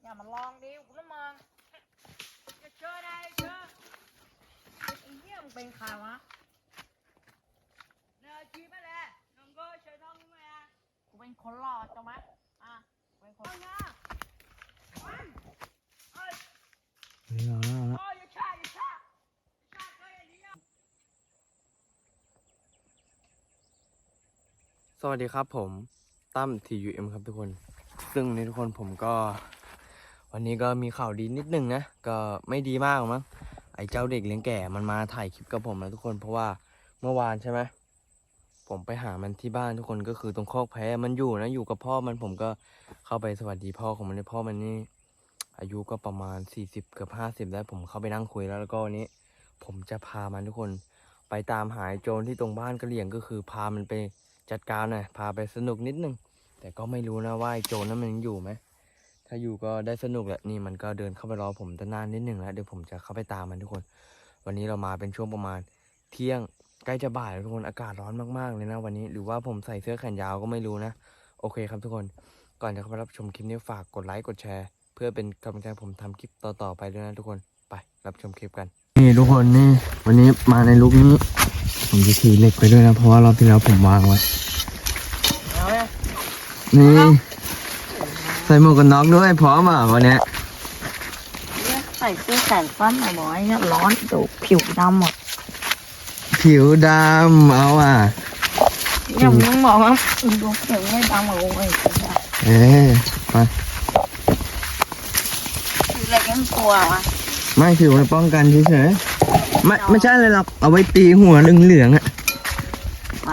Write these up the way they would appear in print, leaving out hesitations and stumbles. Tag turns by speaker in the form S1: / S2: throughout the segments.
S1: อย่ามาลองดิคุณละมึงจะเจอได้เจอไอ้เหี้ยมึงเป็นใครวะเนื้อชีไปเลยน้องก็เชิญน้องมากูเป็นคนหล่อจังไหมเป็นคนหล่อ
S2: สวัสดีครับผมตั้ม TUM ครับทุกคนซึ่งในทุกคนผมก็วันนี้ก็มีข่าวดีนิดนึงนะก็ไม่ดีมากหรอกมั้งไอ้เจ้าเด็กเลี้ยงแก่มันมาถ่ายคลิปกับผมนะทุกคนเพราะว่าเมื่อวานใช่ไหมผมไปหามันที่บ้านทุกคนก็คือตรงคอกแพะมันอยู่นะอยู่กับพ่อมันผมก็เข้าไปสวัสดีพ่อของมันในพ่อมันนี่อายุก็ประมาณ40เกือบ50แล้วผมเข้าไปนั่งคุยแล้วก็วันนี้ผมจะพามันทุกคนไปตามหาโจรที่ตรงบ้านกะเหรี่ยงก็คือพามันไปจัดการหน่อยพาไปสนุกนิดนึงแต่ก็ไม่รู้นะว่าโจรนั้นมันยังอยู่ไหมถ้าอยู่ก็ได้สนุกแหละนี่มันก็เดินเข้าไปรอผมตั้งนานนิดนึงแล้วเดี๋ยวผมจะเข้าไปตามมันทุกคนวันนี้เรามาเป็นช่วงประมาณเที่ยงใกล้จะบ่ายแล้วทุกคนอากาศร้อนมากๆเลยนะวันนี้หรือว่าผมใส่เสื้อแขนยาวก็ไม่รู้นะโอเคครับทุกคนก่อนจะเข้าไปรับชมคลิปนี้ฝากกดไลค์กดแชร์เพื่อเป็นกำลังใจผมทำคลิปต่อๆไปด้วยนะทุกคนไปรับชมคลิปกันนี่ทุกคนนี่วันนี้มาในลุคนี้ผมจะถือเหล็กไปด้วยนะเพราะว่ารอบที่แล้วผมวางไว้นี่ใส่หมวกกันน็อกด้วยพร้อมอ่ะวันนี้
S1: ใส่เสื้อแขนสั้นหน่อยบอกไอ้เนี่ยร้อนดูผิวดำหมด
S2: ผิวดำเอาอ่ะ
S1: อย่างมึงบอกว่าดูผิวไม่ดำเหมือนกูเลย
S2: มา
S1: คืออะไรกันตัววะ
S2: ไม่ผิวมันป้องกันเฉยๆไม่ใช่เลยหรอกเอาไว้ตีหัวเหลืองๆอ่ะ
S1: มา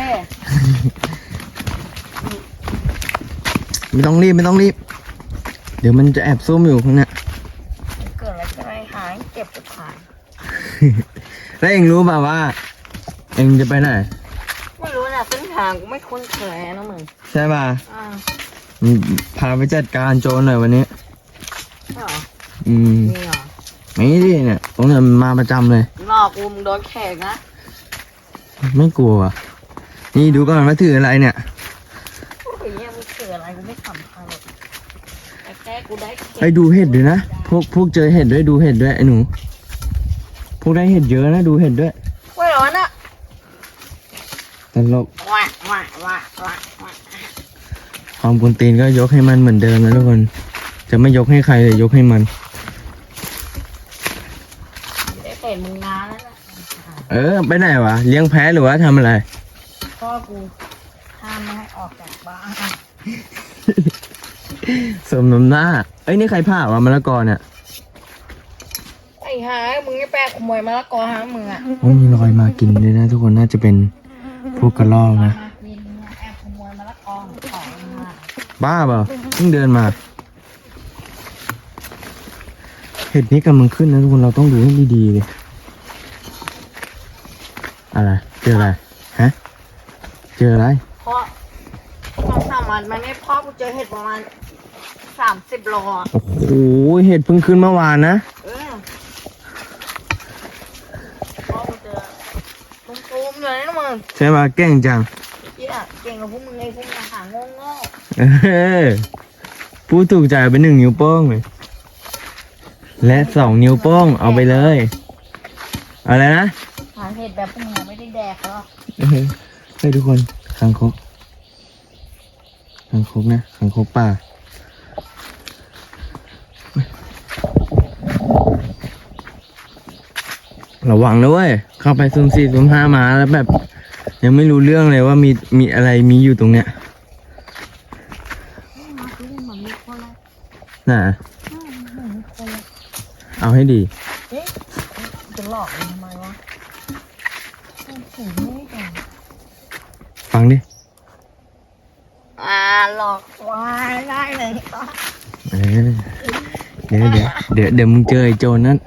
S2: ไม่ต้องรีบเดี๋ยวมันจะแอบซุ่มอยู่ข้างหน้า
S1: เกิดอะไรขึ้นหายเจ็บจะผ่าน
S2: แล้วเองรู้ป่าวว่าเองจะไปไหน
S1: ไม่รู้นะเส้นทางกูไม่คุ้นเคยนะมึง
S2: ใช่ป่ะพาไปจัดการโจรหน่อยวันนี้
S1: เหรอ
S2: นี่เหรอไม่ดิเนี่ยตรงนี้มันมาประจำเลย
S1: หลอกกูมึงโดนแขกนะ
S2: ไม่กลัวนี่ดูก่อนว่าถืออะไรเนี่ย
S1: ไอ้เนี่ยมึงถืออะไรกูไม่สำคัญหรอกแค่กูได้
S2: ไอ้ดูเห็ดด้วยนะพวกเจอเห็ดด้วยดูเห็ดด้วยไอ้หนูพวกได้เห็ดเยอะนะดูเห็ดด้วย
S1: ไม่ร้อนอ่ะ
S2: ตลก
S1: ว้า
S2: ความกวนตีนก็ยกให้มันเหมือนเดิมนะทุกคนจะไม่ยกให้ใครเลยยกให้มัน
S1: ได้เป็นมึงนานแล้วนะ
S2: ไปไหนวะเลี้ยงแพะหรือว่าทำอะไร
S1: พ่อกูห้ามไม่ให้ออกจากบ้าน
S2: สมน้ำหน้านี่ใครผ่าวะมะละกอเนี่ย
S1: ไอ้หามึงไอ้แปะขโมยมะละกอหามึงอ่ะ
S2: มีรอยมากินด้วยนะทุกคนน่าจะเป็นพวกกระรอกนะ
S1: แอบขโมยมะละกอของมา
S2: บ้าเปล่าเพิ่งเดินมาเห็ดนี้กำลังขึ้นนะทุกคนเราต้องดูให้ดีๆเลยอะไรเจออะไรฮะเจออะไร
S1: เพราะ2-3 วันมันไม่พ่อกูเจอเห็ดประมาณ30 โล
S2: โอ้โหเห็ดเพิ่งขึ้นเมื่อวานนะ
S1: พ่อกูเจอตุ้มๆเลยนะมึง
S2: ใช่ป่ะเก่งจัง
S1: เก่งกับพวกมึงไอ้พวกมึงหาโง่
S2: พูดถูกใจไป1 นิ้วโป้งเลยและ2 นิ้วโป้งเอาไปเลยอะไรนะ
S1: หาเห็ดแบบพวกมึงไม่ได้แดกหรอก
S2: ให้ทุกคนคางคกนะคางคกป่าระวังนะเว้ยเข้าไปซุ่ม4 ซุ่ม 5มาแล้วแบบยังไม่รู้เรื่องเลยว่ามีอะไรมีอยู่ตรงเนี้ยน่ะเอาให้ดี
S1: จะหลอกทำไมวะ
S2: ฟังดิ
S1: หลอกวายได้เลย
S2: เดี๋ยวมึงเจอไอ้โจรนั้น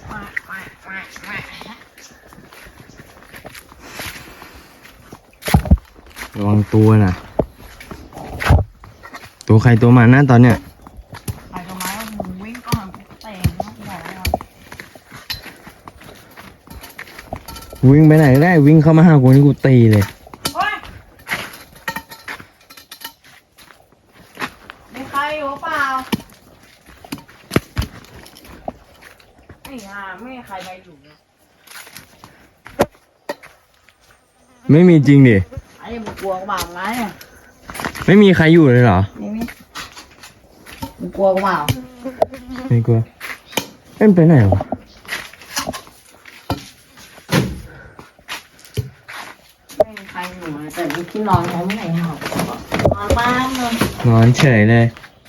S2: ระวังตัวน่ะตัวใครตัวมันนะตอนเนี้ย
S1: ใครก็มามึงวิ่งก่อนเตะ
S2: วิ่งไปไหนได้วิ่งเข้ามาหากูนี่กูตีเลย
S1: มีใครอยู่เปล่าไม่มีใครไปอยู่เลย
S2: ไม่มีจริงดิ
S1: ไอ้มึงกลัวกูเปล่าไงเนี่ย
S2: ไม่มีใครอยู่เลยเหรอ
S1: ไม่มีมึงกลัวกูเปล่า
S2: ไม่กลัวเอ็มไปไหนวะ
S1: ไม่มีใครอยู่เลยแต่มีที่นอนเขาไม่ไหนหรอกนอนบ้านเลย
S2: นอนเฉยเลย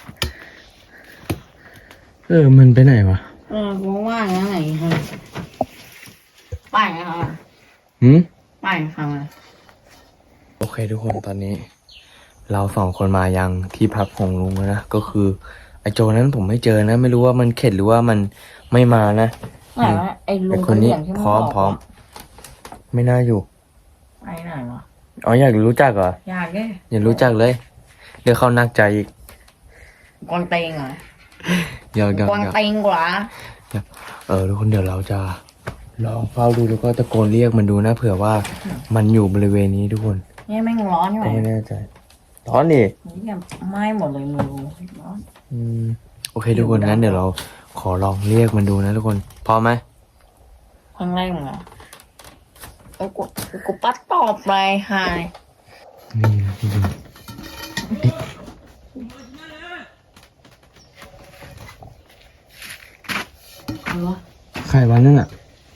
S2: มันไปไหนวะ
S1: กูว่าอย่างนั้นไหนฮะไปไงครับ
S2: หืม
S1: ไปครับ
S2: โอเคทุกคนตอนนี้ เราสองคนมายังที่พักของลุงแล้วนะก็คือไอโจนั้นผมไม่เจอนะ ไม่รู้ว่ามันเข็ดหรือว่ามันไม่มานะ
S1: แต่ว่าไอ้ลุ
S2: ไอง คนนี้
S1: กะเหรี่ยงที่มึง
S2: พร้อม
S1: บก
S2: พร้อมไม่น่าอยู่
S1: ไปไหนวะ
S2: อ๋ออยากรู้จักเหรอ
S1: อยากแก
S2: อยากรู้จักเลยเดี๋ยวเขานักใจอีก
S1: กวางเตงเหรอ
S2: อยาก
S1: กวางเตงกว่า
S2: ทุกคนเดี๋ยวเราจะลองเฝ้าดูแล้วก็ตะโกนเรียกมันดูนะเผื่อว่ามันอยู่บริเวณนี้ทุกคน
S1: เนี่ยแม่งร้อนใช่ไหม
S2: ก็ไม่แน่ใจร้อนดิ
S1: เนี่ยไหม้หมดเลยมือร้อน
S2: โอเคทุกคนงั้นเดี๋ยวเราขอลองเรียกมันดูนะทุกคนพร้อมไหม
S1: ครั้งแรกมึงอ่ะกูปัดตอบไปหาย
S2: นี่นะทุกคนเอ๊ะ
S1: เอาวะ
S2: ใครวะนั่นอ่ะ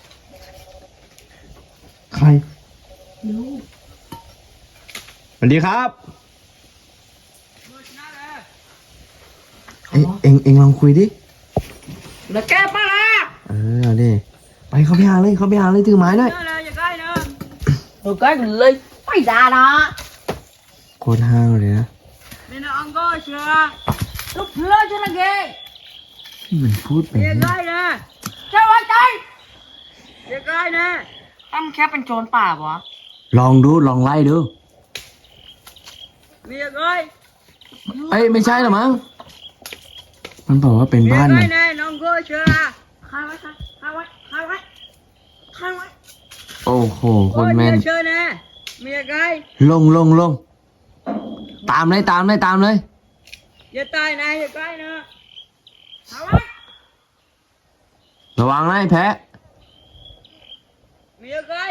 S2: ใคร
S1: รู้
S2: สวัสดีครับเอ็งลองคุยดิ
S1: แล้วแกปะล่ะ
S2: เอาดิไปเข้าไปหาเลยถือไม้หน่อย
S1: rồi cái ly mày ra đó
S2: โคตรห้าวเลยนะ
S1: mày nó ăn coi chưa lúc lớn cho nó ghê
S2: มันพูดแบบ
S1: về
S2: นี้
S1: coi nè chơi ơi chơi về coi nè em khép bên trốnป่าวะ
S2: ลองดูลองไล่ดู
S1: về coi
S2: เอ้ยไม่ใช่หรอมั้งมันบอกว่าเป็น
S1: về
S2: บ้านมั
S1: coi
S2: น
S1: nè nó ăn coi chưa hai mấy hai mấy
S2: โอ้โหคนแม่น
S1: về chơi nè về coi
S2: ลงตามเลย
S1: về tay này về coi nè hai mấy
S2: ระวังนะไอ้แพะ
S1: về coi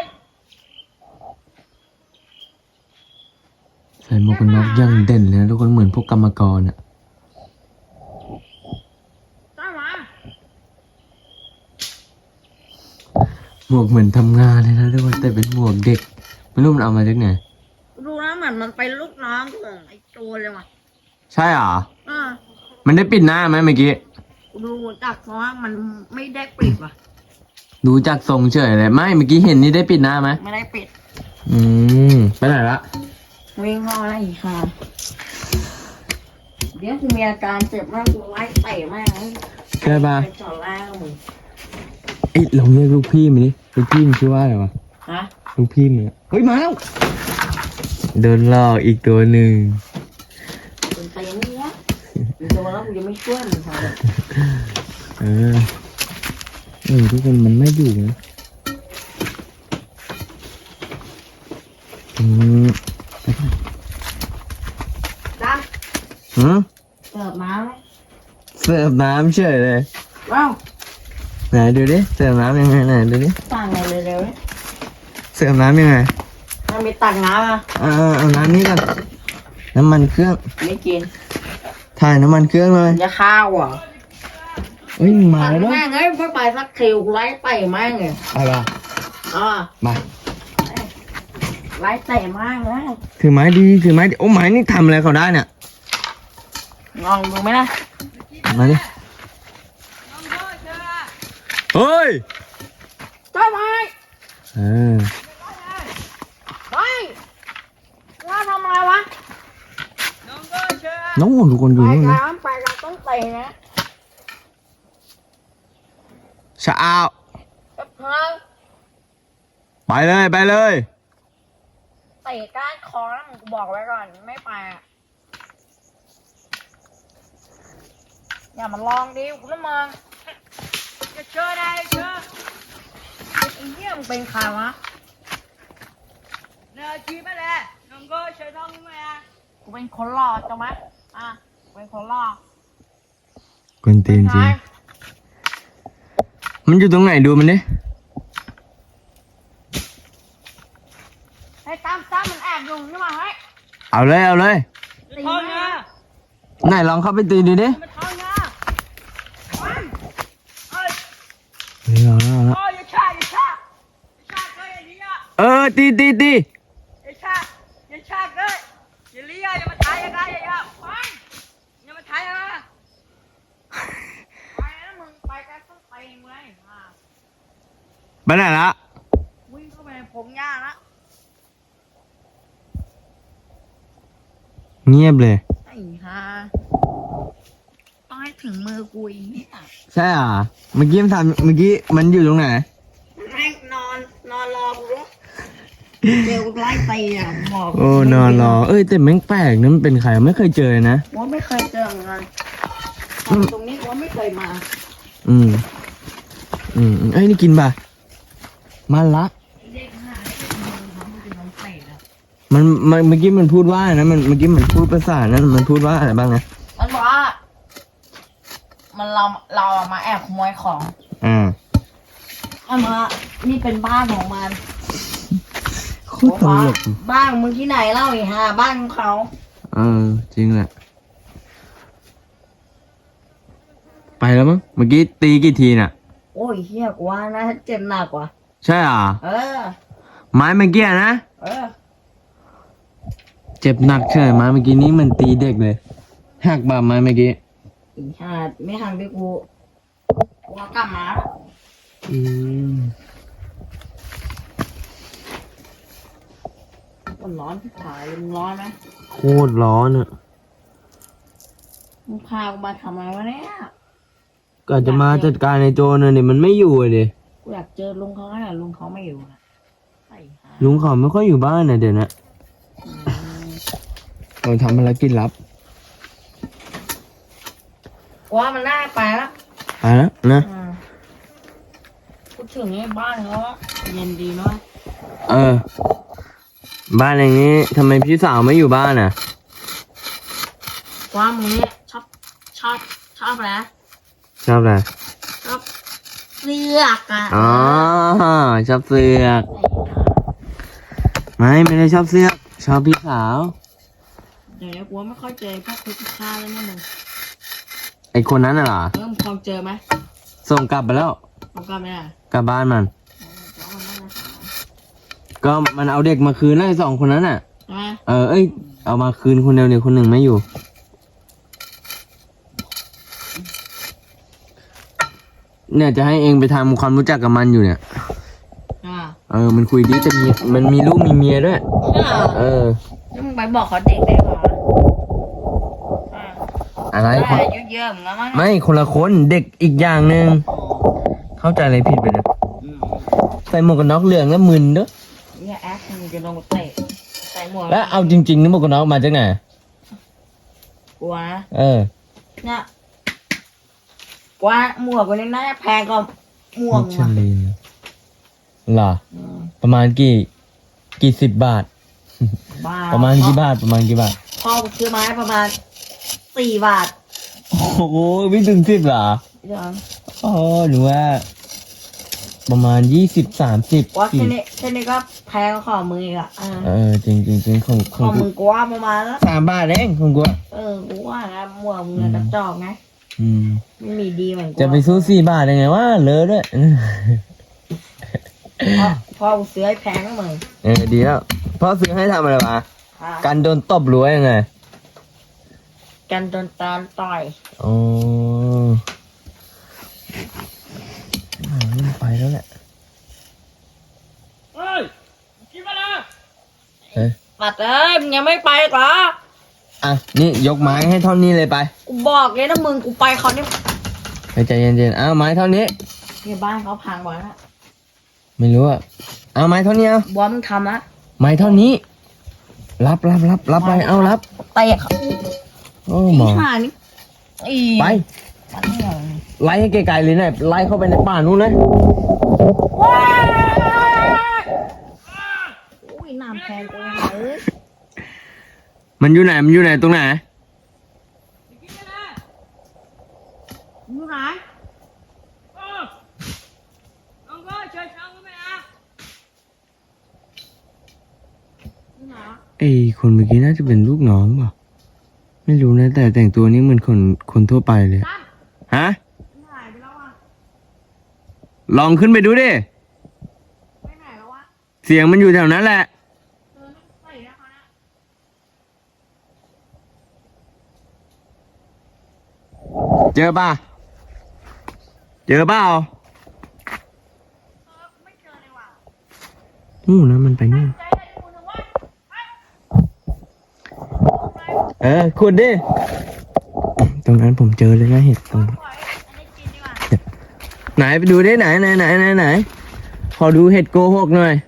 S2: ใส่หมวกกันน็อกยังเด่นเลยนะทุกคนเหมือนพวกกรรมกรอ่ะ
S1: tao mà
S2: หมวกเหมือนทำงานเลยนะทุกคนแต่เป็นหมวกเด็กไม่รู้มันเอามาจากไหน
S1: ดูนะเหมือนมันไปลูกน้องของไอ้โจรเลยว่ะ
S2: ใช่เหรอ
S1: อ่า
S2: มันได้ปิดหน้าไหมเมื่อกี้
S1: ดูจากเพราะว่ามันไม่ได้ปิดว่ะ
S2: ดูจากทรงเฉยเลยไม่เมื่อกี้เห็นนี่ได้ปิดหน้าไหม
S1: ไม่ได้ปิด
S2: ไปไหนละ
S1: วิ่งเข้ามาอีกค่ะเดี๋ยวกูมีอาการเจ็บมากกูไล่เตะมากเลย
S2: ใช่ปะ
S1: ไปจอดล่างมึง
S2: เอ้ยลองเรียกลูกพี่มันดิลูกพี่มันชื่อว่าอะไรวะ
S1: ฮะ
S2: ลูกพี่มันอะเฮ้ยมาแล้วโดนหลอกอีกตัวหนึ่ง
S1: เป็นเตะนี่นะมึงโดนแล้วกูจะไม่ช่วยมึงค่ะ
S2: ทุกคนมันไม่อยู่นะ
S1: ดัน
S2: หืม
S1: เสิร์ฟน้ำไหม
S2: เสิร์ฟน้ำเฉยเลย
S1: ว้าว
S2: ไหนดูดิเสิร์ฟน้ำยังไงไหนดูดิ
S1: สั่งเลยเร็วๆเนี่ย
S2: เสิร์ฟน้ำยังไง
S1: มันมีตักน้ำอ่ะ
S2: เอาน้ำนี้ก่อนน้ำมันเครื่อง
S1: ไม่กิน
S2: ถ่ายน้ำมันเครื่องเลย
S1: จะข้าวอ่ะ
S2: เฮ้ยมาแล้ว
S1: แม่งเอ้ยไม่ไปสักทีกูไล่เตะแม่งเลย
S2: ไปป่ะ
S1: อ่า
S2: มา
S1: ไล่เตะแม่งเลย
S2: ถือไม้ดีโอ้ไม้นี่ทำอะไรเขาได้เนี่ย
S1: ลองดูไหมล่ะ
S2: มาดิเฮ้ย
S1: ช่วยไป
S2: เออ
S1: ไปว่าทำอะไรวะ
S2: น้องทุกคนอยู่
S1: ไป
S2: นี่
S1: กั
S2: นะ
S1: นไปกันต้องเตะนะ
S2: ชะอาว
S1: กับเพิ่ง
S2: ไปเลย
S1: เตะก้านคอแล้วมึงกูบอกไว้ก่อนไม่ไปอ่ะอย่ามาลองดิกูละมึงจะเชื่อได้เชื่อไอ้เหี้ยมึงเป็นใครวะเนี่ยชี้ไปเลยน้องก็เชื่อท้องมึงไหมอ่ะกูเป็นคนหล่อจังไหมอ่ะกูเป็นคนหล่อก
S2: วนตีนจริงมันอยู่ตรงไหนดูมันดิ
S1: ให้ตามมันแอบอยู่นี่มาให้
S2: เอาเลยเอาเลย
S1: ตีมันนะ
S2: ไหนลองเข้าไปตีดูดิ
S1: มันท้องนะมันเอ้ย
S2: เอาละ
S1: โอ้ยอย่าชาเลยอย่าเลี้ย
S2: ตี
S1: อย่าชาเลยอย่าเลี้ยอย่ามาถ่ายอะไรอย่ามันอย่ามาถ่ายอะไรไปแล้วมึงไปกันต้องไปมึงเลย
S2: ไปไหนละ
S1: วิ่งเข้าไปในพงหญ้าละ
S2: เงียบเลย
S1: ไอ้ห่าต้องให้ถึงมือกูอีกเนี่ย
S2: ใช่อ่ะเมื่อกี้มันอยู่ตรงไหน
S1: แม่งนอนรอกูรู้เจอกูไล่ตีอ่ะหมอก
S2: โอ้นอนรอแต่แม่งแปลกนะมันเป็นใครไม่เคยเจอเลยนะ
S1: ว่าไม่เคยเจอเหมือนกันตรงนี้ว่าไม่เคยมา
S2: นี่กินป่ะมาละ
S1: เด็กหาได้เขาเป็นน้องเตะแล้ว
S2: มันเมื่อกี้มันพูดว่านะมันเมื่อกี้มันพูดภาษานั้นมันพูดว่าอะไรบ้างนะ
S1: มันบอกว่ามันเรามาแอบขโมยของ เอามานี่เป็นบ้านของมัน
S2: โคตรตลก
S1: บ้านมึงที่ไหนเล่าอีห่าบ้านของเขา
S2: จริงแหละไปแล้วมั้งเมื่อกี้ตีกี่ทีน่ะ
S1: โอ้ยเฮียกว่านะเจ็บหนักกว่า
S2: ใช่อ่ะ
S1: เออ
S2: ไม้เมื่อกี้นะ
S1: เออ
S2: เจ็บหนักใช่ไหมไม้เมื่อกี้นี้มันตีเด็กเลยหักบาไม้เมื่อกี้
S1: อีห่าไม่ทางที่กูว่ากลับมา มันร้อนที่ถ่ายมึงร้อนไหม
S2: โคตรร้อนอ่ะ
S1: มึงพากูมาทำไมวะเนี่ย
S2: ก็จะมาจัดการในโจรน่ะเนี่ยมันไม่อยู่เลย
S1: กูอยากเจอลุงเขาขนาดลุงเขาไม่อยู่นะไอ้ห่า
S2: ลุงเขาไม่ค่อยอยู่บ้านนะเดี๋ยวนะเราทำภารกิจลับ
S1: ว่ามันน่าไปแล้ว
S2: ไปแล้วนะ
S1: พูดถึงไอ้บ้านเขาอะเย็นดีเนาะ
S2: บ้านอย่างนี้ทำไมพี่สาวไม่อยู่บ้านอ่ะ
S1: ว่ามึงเนี่ยชอบอะไร
S2: ชอบอะไร
S1: ชอบเสือกอ่ะ
S2: อ๋อชอบเสือกไม่ได้ชอบเสือกชอบพี่สาว
S1: เดี๋ยวนี้กูว่าไม่ค่อยเจอพวกคุกค่าแล้วเนี่ยมึง
S2: ไอคนนั้นน่ะเหรอ
S1: มึงพอเจอไหม
S2: ส่งกลับไปแล้ว
S1: ผมกลับไม่ได้
S2: กลับบ้านมัน
S1: แล้วมันน่าจะหาย
S2: ก็มันเอาเด็กมาคืนแล้วไอ้สองคนนั้นน่ะ
S1: ใช่ไหม
S2: เอามาคืนคนเดียวเนี่ยคนหนึ่งไม่อยู่ เนี่ยจะให้เองไปทำความรู้จักกับมันอยู่เนี่ย มันคุยดีแต่มันมีลูกมีเมียด้วย
S1: ใช่เหรอ
S2: อ
S1: แล้วมึงไปบอกเขาเด็กได้เหรออ่า
S2: อะไร
S1: ได้อายุเยอะเหมือนกันมั้ง
S2: ไม่คนละคนเด็กอีกอย่างหนึ่งเข้าใจอะไรผิดไปเนี่ยใส่หมวกกันน็อกเหลืองแล้วมึนเด้อ
S1: เนี่ยแอคมึงจะลงเตะใส่หมวก
S2: แล้วเอาจริงๆนี่หมวกกันน็อกมาจากไหน
S1: กลัวนะ เนี่ยกว่าหมวกวันนี้น่าจะแพงกว่าหมวก
S2: มิชลินเหรอประมาณกี่สิบบาท
S1: บ้า
S2: ประมาณกี่บาทประมาณกี่บาท
S1: พ่อกูซื้อมาให้ประมาณ4 บาท
S2: โอ้โหไม่ถึง10เหรอ
S1: เดี๋ยว
S2: อ๋อหรือว่า ประมาณ20-30
S1: ว่าแค่นี้ก็แพงกว่าของมึงอีกอ่ะ
S2: จริงของ
S1: ของมึงกูว่าประมาณแล้ว
S2: 3 บาทเองของกู
S1: กูว่านะหมวกมึงอะกระจอกไงไม่มีดีเหมือนกู
S2: จะไปสู้4 บาทยังไงวะเลอะด้วย
S1: พ่อกูซื้อให้แพงก็มึง
S2: ดีแล้วพ่อซื้อให้ทำอะไรวะ
S1: อ่ะ
S2: การโดนตบหรือว่ายังไง
S1: กันโดนตาต่อย
S2: อ๋อไปแล้วแหละ
S1: เฮ้ยกินมาแล้ว
S2: เฮ้ย
S1: ปัดเอ้ยมึงยังไม่ไปอีกเหรอ
S2: อ่ะนี่ยกไม้ให้เท่านี้เลยไป
S1: กูบอกเลยนะมึงกูไปเขาเนี่ย
S2: ไปใจเย็นๆเอาไม้เท่านี้
S1: เนี่ยบ้านเขาพังไว้ละ
S2: ไม่รู้อะเอาไม้เท่านี้เอา
S1: บอสมึงทำละ
S2: ไม้เท่านี้ รับไปเอารับ
S1: เตะเขา
S2: โอ้หมอ
S1: ห่านี่อี
S2: ไป
S1: ปัดไม่เอา
S2: ไล่ให้ไกลๆเลยนะไล่เข้าไปในป่านู้นนะ
S1: ว้ายอุ้ยน้ำแพงกูเลย
S2: มันอยู่ไหนตรงไหน
S1: อยู่ไหน
S2: ไอ้คนเมื่อกี้น่าจะเป็นลูกน้องเปล่าไม่รู้นะแต่แต่งตัวนี้เหมือนคนทั่วไปเลย
S1: ตั้ม
S2: ฮะ
S1: หายไปแล้วอ่ะ
S2: ลองขึ้นไปดูดิ
S1: ไปไหนแล้ววะ
S2: เสียงมันอยู่แถวนั้นแหละ
S1: ไม่ใส่แล้วเขานะ
S2: เจอป่ะ เจอเปล่า
S1: ไม่เจอเลยว่ะ
S2: นู่นนะมันไปนู่น
S1: ใจอะไรกูนึกว่า
S2: ขุดดิ ตรงนั้นผมเจอเลยนะเห็ดตรง
S1: ปล่อยอันนี้กินดีกว่า
S2: ไหนไปดูดิไหนขอดูเห็ดโกหกหน่อย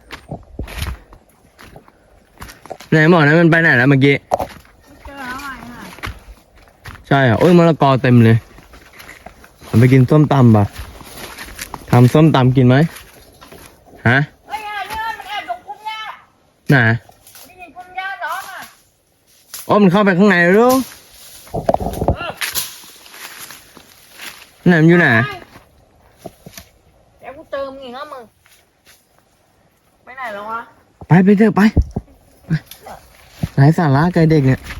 S2: ไหนบอกนะมันไปไหนแล้วเมื่อกี้
S1: ไม่เจอแล้วไงค่ะ
S2: ใช่เหรอโอ้ยมะละกอเต็มเลยมันไปกินส้มตำป่ะทำส้มตำกินไหมฮะ
S1: เฮ้ยเนี่ยมันแอบตรงพุ่มหญ้า
S2: ไหน
S1: ได้ยินพุ่มหญ้าร้องอ่ะ
S2: โอ้มันเข้าไปข้างในแล้วลูกไหนมันอยู่ไหน
S1: เดี๋ยวกูเติมอีกนะมึงไปไหนแล้ววะ
S2: ไปเถอะไปไหนสาระไกลเด็กเนี่ย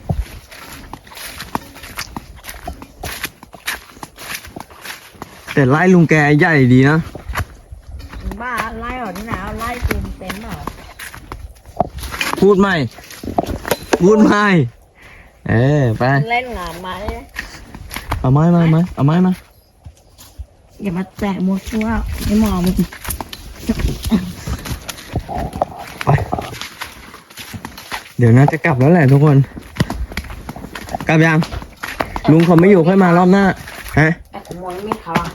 S2: แต่ไล่ลุงแกใหญ่ดีนะ
S1: บ้าไล่เหรอที่ไหนเอาไล่กูเป็นเปล่า
S2: พูดใหม่ไป
S1: เล่นงานมาเลย
S2: เอาไม้มา
S1: อย่ามาแตะมัวซั่วไม่มองมึง
S2: ไปเดี๋ยวน่าจะกลับแล้วแหละทุกคน กลับยัง ลุงเขาไม่อยู่ค่อยมารอบหน้า ฮะ
S1: แอบขโมยมีดเขาอ่ะ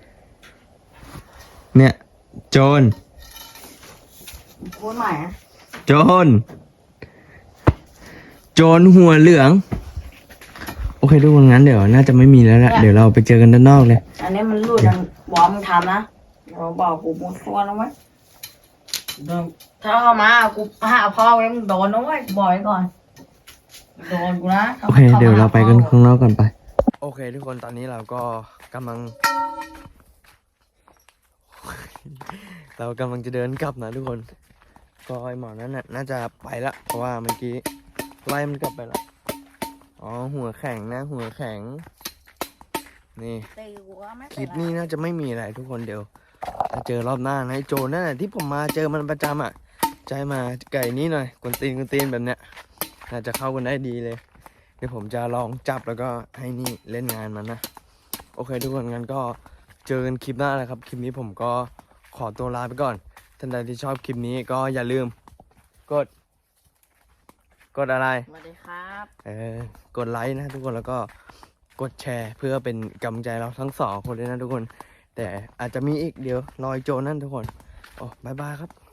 S2: เนี่ย โจร
S1: พูดใหม่นะ
S2: โจรหัวเหลือง โอเคทุกคนงั้นเดี๋ยวน่าจะไม่มีแล้วแหละเดี๋ยวเราไปเจอกันด้านนอกเลย
S1: อันนี้มันรูดนะบอกมึงทำนะเราบอกกูมัวซั่วนะเว้ยถ้าเข้ามากูหาพ่อไว้มึงโดนนะเว้ยบอกไว้ก่อนโดนกูนะ
S2: โอเค เดี๋ยวเราไปกันข้างนอกกันไป โอเค ทุกคนตอนนี้เราก็กำลัง เรากำลังจะเดินกลับนะทุกคน ก็ไอหมอนั้นน่าจะไปละเพราะว่าเมื่อกี้ไล่มันกลับไปละอ๋อหัวแข็งนะหัวแข็ง นี่
S1: ตีกูก็ไม่
S2: ค
S1: เป็
S2: ลิ
S1: น
S2: ป
S1: ไร
S2: นี้น่าจะไม่มีอะไรทุกคนเดี๋ยวถ้าเจอรอบหน้านะไอ้โจรนั่นแหละที่ผมมาเจอมันประจำอ่ะใจมาไก่นี้หน่อยกวนตีนแบบเนี้ยน่าจะเข้ากันได้ดีเลย เดี๋ยวผมจะลองจับแล้วก็ให้นี่เล่นงานมันนะโอเคทุกคนงั้นก็เจอกันคลิปหน้าเลยครับคลิปนี้ผมก็ขอตัวลาไปก่อนท่านใดที่ชอบคลิปนี้ก็อย่าลืมกดอะไร
S1: สวัสดีครับ
S2: กดไลค์นะทุกคนแล้วก็กดแชร์เพื่อเป็นกำลังใจเราทั้งสองคนเลยนะทุกคน แต่อาจจะมีอีกเดี๋ยวรอยโจนั่นทุกคนโอ้บายบายครับ